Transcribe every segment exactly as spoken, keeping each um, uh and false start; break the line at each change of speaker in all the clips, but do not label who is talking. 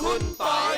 คุณปอย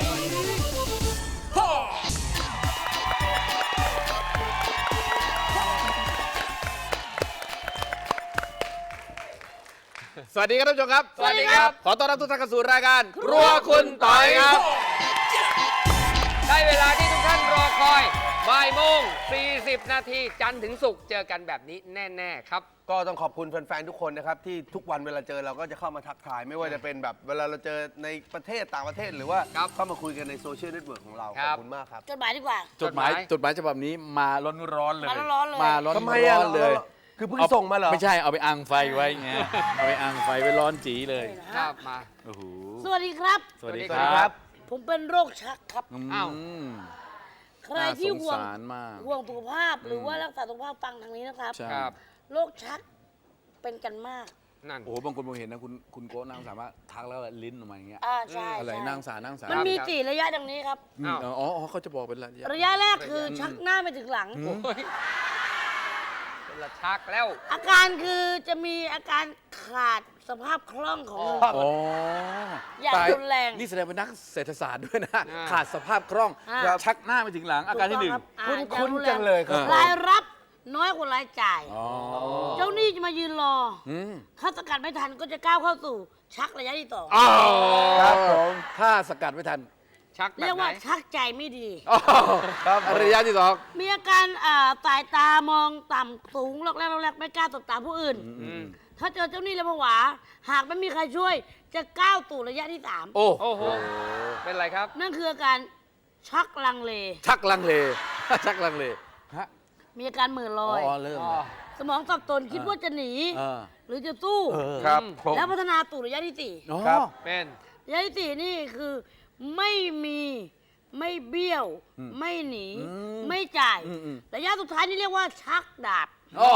สวัสดีครับท่านผู้ชมครับ
สวัสดีครับ
ขอต้อนรับทุกท่านเข้าสู่รายการครัวคุณปอยครับ
ได้เวลาที่ทุกท่านรอคอยบ่ายโมงสี่สิบนาทีจันทร์ถึงศุกร์เจอกันแบบนี้แน่ๆครับ
ก็ต้องขอบคุณแฟนๆทุกคนนะครับที่ทุกวันเวลาเจอเราก็จะเข้ามาทักทายไม่ว่าจะเป็นแบบเวลาเราเจอในประเทศต่างประเทศหรือว่า
ครับ
เข้ามาคุยกันในโซเชียลเน็ตเวิร์กของเรา
ค
ข
รั
อ
บบ
คุณมากครับ
จดหมายดีกว่า
จดหมาย
จดหมาย
จดหมายฉบับนี้มาร้อนๆเลย
มาร้อนๆเลย
มาร้อน
ทำไมอ่ะ
ๆเลย
คือเพิ่งส่งมาเหรอ
ไม่ใช่เอาไปอังไฟไว้ไงเอาไปอังไฟไว้ร้อนจีเลย
ครับมา
โอ้โห
สวัสดีครับ
สวัสดี
สวั
ค
สดีครั
รับ บ
ผมเป็นโรคชักครับ
อ้าว
ม
ใครที่ห่วง
น่าสงสารมาก
ห่วงสุขภาพหรือว่ารักษาสุขภาพฟังทางนี้นะครับ
ใช่
ครับ
โรคชักเป็นกันมาก
นั่น
โอ้โหบางคนผมเห็นนะคุณคุณโก้นั่งสามารถทักแล้วลิ้นออกมาอย่างเงี้ย
อ่าใช่
อะไร
ใช่
นั่งสานั่งสา
มันมี
ครับ
สี่ระยะดังนี้ครับ
อืม
อ้าว
อ๋ออ๋อเขาจะบอกเป็นระยะ
ระยะแรกคือชักหน้าไปถึงหลัง
อืม
โอ้ยเป็นละชักแล้ว
อาการคือจะมีอาการขาดสภาพคล่องของลม
อ๋อ
อย่าง
ตาย
รุนแรง
นี่แสดงเป็นนักเศรษฐศาสตร์ด้วยนะ
อ่า
ขาดสภาพคล่อง
อ่า
ชักหน้าไปถึงหลังอาการที่หนึ่ง
ถูกต้องรับอ่า
คุ้น
อา
ๆจังเลยครับ
เออ
รายรับน้อยกว่ารายจ่าย
อ๋อ
เจ้าหนี้จะมายืนรอ
อืม
ถ้าสกัดไม่ทันก็จะก้าวเข้าสู่ชักระยะที่สอง
อ๋อ
ครับผม
ถ้าสกัดไม่ทัน
ชักแบ
เรีย
บ
ก
ไหน
ว่าชักใจไม่ดี
อ๋อ
ครับ
ระยะที่สอง
มีอาการอ่าสายตามองต่ำสูงหลอกแรกหลอกแรกไม่กล้าตบตาผู้อื่น
อืม
ถ้าเจอเจ้าหนี้แล้วผวา หากไม่มีใครช่วย จะก้าวสู่ระยะที่สาม
โอ้
โอ้โห เป็นไรครับ
นั่นคืออาการชักลังเล
ชักลังเล ชักลังเลฮะ
มีอาการเหม่อล
อ๋
อย
อเริ่มแล้ว
สมองสับสนคิดว่าจะหนี
เออ
หรือจะสู้
เออ
ครับผม
แล้วพัฒนาสู่ระยะที่สี่
อ๋อ
ครับ
เป็น
ระยะที่สี่นี่คือไม่มีไม่เบี้ยว ไม่หนี
อืม
ไม่จ่าย
อืมอืม
ระยะสุดท้ายนี่เรียกว่าชักดาบ
โอ้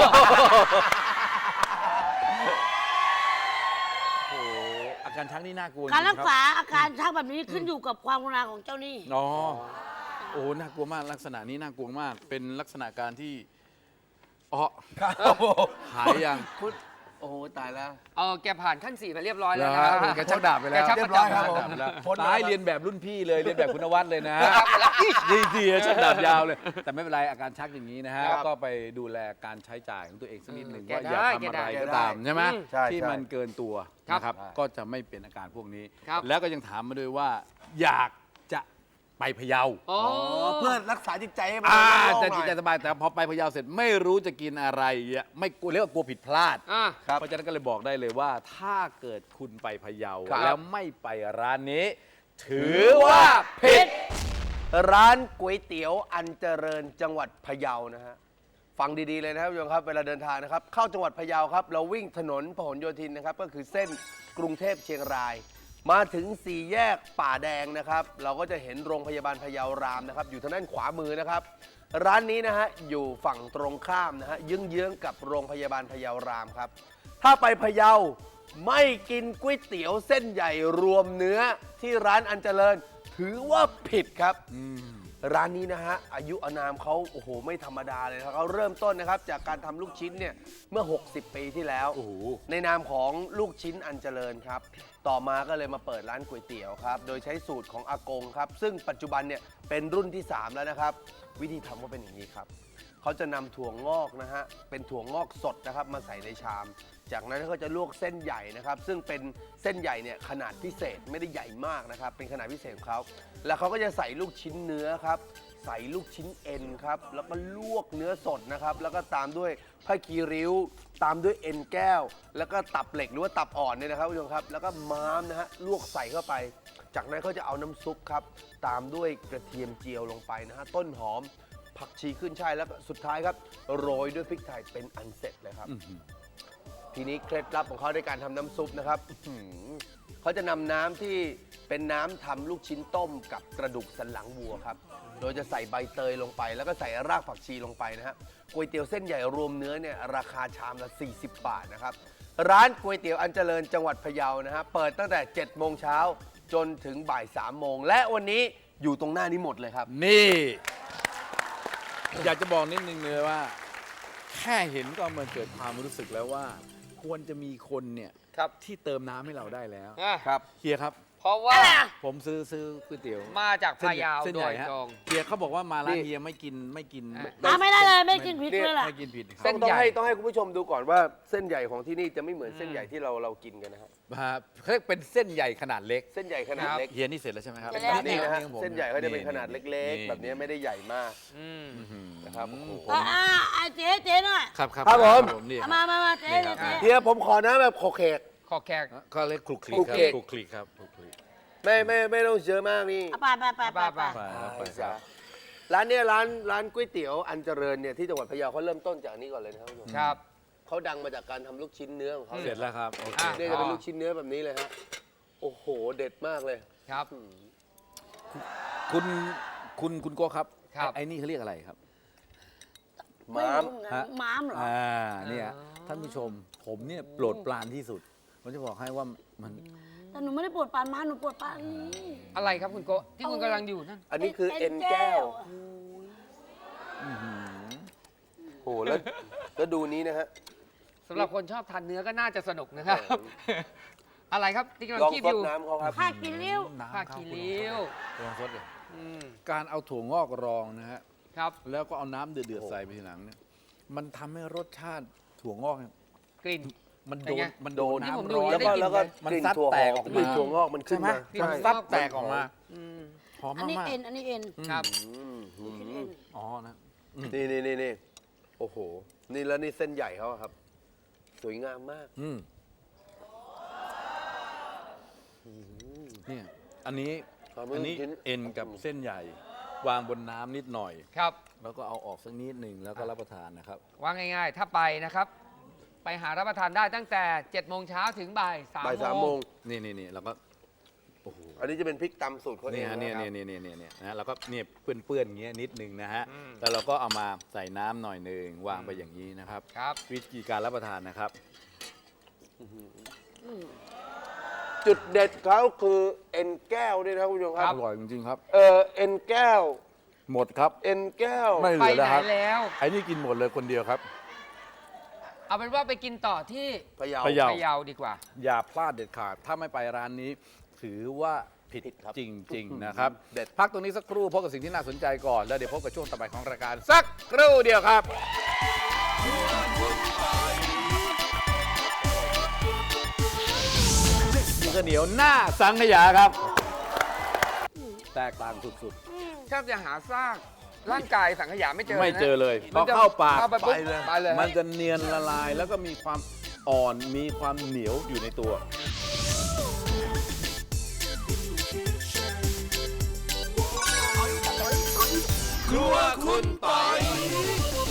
โหอาการชักนี่น่ากลัว
การรัก
จงๆคบ
ษาอาการชักแบบนี้ขึ้นอยู่กับความกรุณาของเจ้าหนี้
อ๋อ โอ้ น่ากลัวมาก ลักษณะนี้น่ากลัวมาก เป็นลักษณะการที่อ๋อ
ครับผม
หายยัง
คุณโอ้โหตายแล้ว
เออแกผ่านขั้นสี่มาเรียบร้อยแล้ว
แล้
นะ
วแกชักดาบไปแล้ว
แกชัก
เรี
ป
ย
ระ
บร้อย
จำ
ครับ
ชัก
ผม
ดาบ
ไปแล้ว
พ้นแล้ว
ตายเรียนแบบรุ่นพี่เลย เรียนแบบคุณนวัดเลยนะดีดีชักดาบยาวเลย แต่ไม่เป็นไร อาการชักอย่างนี้นะฮะ
ครับ
ก็ไปดูแลการใช้จ่ายของตัวเองสักนิดหนึ่ง
แก
ว่าอย่า
ได้
ทำอะไร
แกได้
ก็ตามใช่ไหม
อืม
ใช่
ที่
ใช่
มันเกินตัว
ครับ
นะครับ ก็จะไม่เป็นอาการพวกนี้
ครับ
แล้วก็ยังถามมาด้วยว่า อยากจะไปพะเยา
โอ้
อ๋อเพื่อรักษาจิตใจให้มัน
อ่า
โล่งๆ
จะ
หน่
จิ
อ
ต
ย
ใจสบายแต่พอไปพะเยาเสร็จไม่รู้จะกินอะไรอ่ะไม่กลัวเรียกว่ากลัวผิดพลาด
อ่ะ
ครับ
เพราะฉะนั้นก็เลยบอกได้เลยว่า ถ้าเกิดคุณไปพะเยา
ครับ
แล้วไม่ไปร้านนี้ ถือว่าผิด
ร้านก๋วยเตี๋ยวอันเจริญจังหวัดพะเยานะฮะฟังดีๆเลยนะครับโยมครับเวลาเดินทางนะครับ เข้าจังหวัดพะเยาครับ เราวิ่งถนนพหลโยธินนะครับ ก็คือเส้นกรุงเทพเชียงราย มาถึงสี่แยกป่าแดงนะครับ เราก็จะเห็นโรงพยาบาลพะเยารามนะครับ อยู่ทางด้านขวามือนะครับ ร้านนี้นะฮะอยู่ฝั่งตรงข้ามนะฮะเยื้องๆกับโรงพยาบาลพะเยารามครับ ถ้าไปพะเยาไม่กินก๋วยเตี๋ยวเส้นใหญ่รวมเนื้อที่ร้านอันเจริญ ถือว่าผิดครับ ร้านนี้นะฮะอายุอานามเขาโอ้โหไม่ธรรมดาเลยนะครับเขาเริ่มต้นนะครับจากการทำลูกชิ้นเนี่ยเมื่อ หกสิบ ปีที่แล้ว
โอ้โห
ในนามของลูกชิ้นอันเจริญครับ ต่อมาก็เลยมาเปิดร้านก๋วยเตี๋ยวครับโดยใช้สูตรของอากงครับซึ่งปัจจุบันเนี่ยเป็นรุ่นที่ สาม แล้วนะครับ วิธีทำก็เป็นอย่างนี้ครับเขาจะนำถั่วงอกนะฮะเป็นถั่วงอกสดนะครับมาใส่ในชาม จากนั้นเขาจะลวกเส้นใหญ่นะครับซึ่งเป็นเส้นใหญ่เนี่ยขนาดพิเศษไม่ได้ใหญ่มากนะครับเป็นขนาดพิเศษของเขาแล้วเขาก็จะใส่ลูกชิ้นเนื้อครับใส่ลูกชิ้นเอ็นครับแล้วก็ลวกเนื้อสดนะครับแล้วก็ตามด้วยผ้าคีริ้ว ตามด้วยเอ็นแก้ว แล้วก็ตับเหล็กหรือว่าตับอ่อนเนี่ยนะครับผู้ชมครับแล้วก็ม้ามนะฮะลวกใส่เข้าไป จากนั้นเขาจะเอาน้ำซุปครับตามด้วยกระเทียมเจียวลงไปนะฮะต้นหอมผักชีขึ้นช่ายแล้วก็สุดท้ายครับโรยด้วยพริกไทยเป็นอันเสร็จเลยครับ ทีนี้เคล็ดลับของเขาในการทำน้ำซุปนะครับอื้อหือเขาจะนำน้ำที่เป็นน้ำทำลูกชิ้นต้มกับกระดูกสันหลังวัวครับ โดยจะใส่ใบเตยลงไป แล้วก็ใส่รากผักชีลงไปนะฮะก๋วยเตี๋ยวเส้นใหญ่รวมเนื้อเนี่ยราคาชามละสี่สิบบาทนะครับ ร้านก๋วยเตี๋ยวอันเจริญจังหวัดพะเยานะฮะเปิดตั้งแต่เจ็ดโมงเช้าจนถึงบ่ายสามโมงและวันนี้อยู่ตรงหน้านี้หมดเลยครับ
นี่ อยากจะบอกนิดนึงเลยว่า แค่เห็นก็มันเกิดความรู้สึกแล้วว่า ควรจะมีคนเนี่ย
ครับ
ที่เติมน้ำให้เราได้แล้ว
อ่ะ
ครับ
เฮียครับ
พเพราะว่า
อะไรอ่ะ
ผมซื้อซื้อก๋วยเตี๋ยว
มาจากพะเยา
เส้น
โด
ใหญ่
ย
ฮะ
ตรง
เฮียเขาบอกว่ามาร้าน
นี่
เฮียไม่กินไม่กิน
อ่ะ
อ่ะไม่ได้เลยไม่กินพริกเลยล่ะ
ไม่กินผิดค
เส้
รับ
น
ต้อง
ใหญ่
ให้ต้องให้คุณผู้ชมดูก่อนว่าเส้นใหญ่ของที่นี่จะไม่เหมือนเส้นใหญ่ที่เราเรากินกันนะฮะ
ครับเขาเรียกเป็นเส้นใหญ่ขนาดเล็ก
เส้นใหญ่ขนาดเล็ก
เฮียนี่เสร็จแล้วใช่ไหมครับ
เสร็จแล้ว
นี่นะฮะ
ของผม
เส้นใหญ่เขาจะเป็นขนาดเล็ก
นี่
ๆ แบบนี้ไม่ได้ใหญ่มาก
อืม
อืม
นะครับโอ้โห
อ่ะอ่ะอ่ะเจ๊เจ๊หน่อย
ครับครับ
ครับผม
นี่
เอามามามาเจ๊
นี่ครับ
เจ๊
เฮียผมขอน้ำแบบโคเคก
ขอแขก
ก็เรียกคลุกคลิก
คลุก
ครับ
คลิก
คลุกคลิกครับคลุกคลิก
ไม่ไม่ไม่ต้องเยอะมากนี่
เอาไปไปไปไปไป
ไปครับไปค
จ้ะ
รับ
ร้านเนี้ยร้านร้านก๋วยเตี๋ยวอันเจริญเนี่ยที่จังหวัดพะเยาเขาเริ่มต้นจากอันนี้ก่อนเลยนะครับคุณผู้ชม
ครับ
เขาดังมาจากการทำลูกชิ้นเนื้อของเขา
เสร็จแล้วครับโอเค
อ่ะ
เนี่ยจะเป็นลูกชิ้นเนื้อแบบนี้เลยฮะโอ้โหเด็ดมากเลย
ครับ
คุณคุณคุณโก้ครับ
ครับ
ไอ้นี่เขาเรียกอะไรครับ
ม้าม
ไรู้
ฮะ
ม้ามเหรอ
อ่าเนี่ย
อ๋อ
ท่านผู้ชมผมเนี่ยโปรดปรานที่สุดผมจะบอกให้ว่ามัน
แต่หนูไม่ได้ปวดปานม้ามหนูปวดปานนี้
อะไรครับคุณโกะที่คุณกำลังอยู่นั่น
อันนี้คือเอ็นแก้ว
อื้อหือ
โอ้โหแล้วแล้วดูนี้นะฮะ
สำหรับคนชอบทานเนื้อก็น่าจะสนุกนะครับ อะไรครับที่กำลัง
ลอง
คีบ
ซ
อ
ด
ยู่
น้ำเขาครับ
ผ้ากินเลี้ยว
น้ำ
ผ้า
ครับ
คีริ้ว
ลองซดเลย
อืม
การเอาถั่วงอกรองนะฮะ
ครับ
แล้วก็เอาน้ำเดือด
โอ้
ๆ
โห
ใส่ไปทีหลังเนี่ยมันทำให้รสชาติถั่วงอกเนี่ย
กลิ่น
มัน
เป็
โด
นไง
นมันโดน
นี่ผม
น้ำ
ดู
ร้อน
แล้วก็
ได้กลิ่น
แล้วก็
มัน
กลิ่น
ซัด
ถั่ว
แต
ห
ก
อ
ออก
ม
มา
กลิ่นถั่วงอกมันขึ้
ใช่
น
ไหม
มา
กลิ่น
มัน
ถั่วงอก
ซัดแตกออกมา
อืม
หอม
อันนี้
มาก
เอ็นอันนี้เอ็น
ครับ
อืมอื
กิน
ม
เอ็น
ๆอ๋อนะ
นี่นี่นี่นี่โอ้โห นี่แล้วนี่เส้นใหญ่เขาอะครับ สวยงามมาก
อืมเนี่ยอันนี้
ครับ
อันนี้
ชิ้น
เอ็นกับเส้นใหญ่ วางบนน้ำนิดหน่อย
ครับ
แล้วก็เอาออกสักนิดหนึ่งแล้วก็รับประทานนะครับ
ว่าง่ายๆ ถ้าไปนะครับ ไปหารับประทานได้ตั้งแต่เจ็ดโมงเช้าถึงบ่ายสาม
บ่ายสามโมง
นี่นี่นี่แล้วก็โอ้โห
อันนี้จะเป็นพริกตำสูตรเขาเอ
นี่
ง
ฮะ
นะ
เนี่ย
ครับ
เนี่ยเนี่ยเนี่ยเนี่ยนะแล้วก็เนี่ยเปื้อนๆอย่างเงี้ยนิดหนึ่งนะฮะ
อืม
แล้วเราก็เอามาใส่น้ำหน่อยหนึ่งวางไปอย่างนี้นะครับ
ครับ
วิธีการรับประทานนะครับ
จุดเด็ดเขาคือเอ็นแก้วด้วยนะครับคุณผู้ชมค
อ
รับ
ร่อยจริงๆครับ
เออเอ็นแก้ว
หมดครับ
เอ็นแก้ว
ไม่เห
ไป
ลือ
ไหน
แล้วครับ
แล้ว
ไอ้นี่กินหมดเลยคนเดียวครับ
เอาเป็นว่าไปกินต่อที่
พะเยา
พะเยา
พะเยาดีกว่า
อย่าพลาดเด็ดขาด ถ้าไม่ไปร้านนี้ ถือว่าผิด
ผิดครับ
จริง ๆ นะครับ
เด็ด
พักตรงนี้สักครู่พบกับสิ่งที่น่าสนใจก่อน แล้วเดี๋ยวพบกับช่วงต่อไปของรายการ สักครู่เดียวครับข้าวเหนียวหน้าสังขยาครับ แตกต่างสุด
แทบจะหาซากร่างกายสังขยาไม่เจอ
ๆ ไม่
นะ
เจอเลยพ
มั
อน
จะ
เข้าปาก
เข้าไปปุ๊บไปเลย
มันจะเนียนละลาย แล้วก็มีความอ่อนมีความเหนียวอยู่ในตัว ครัวคุณปอย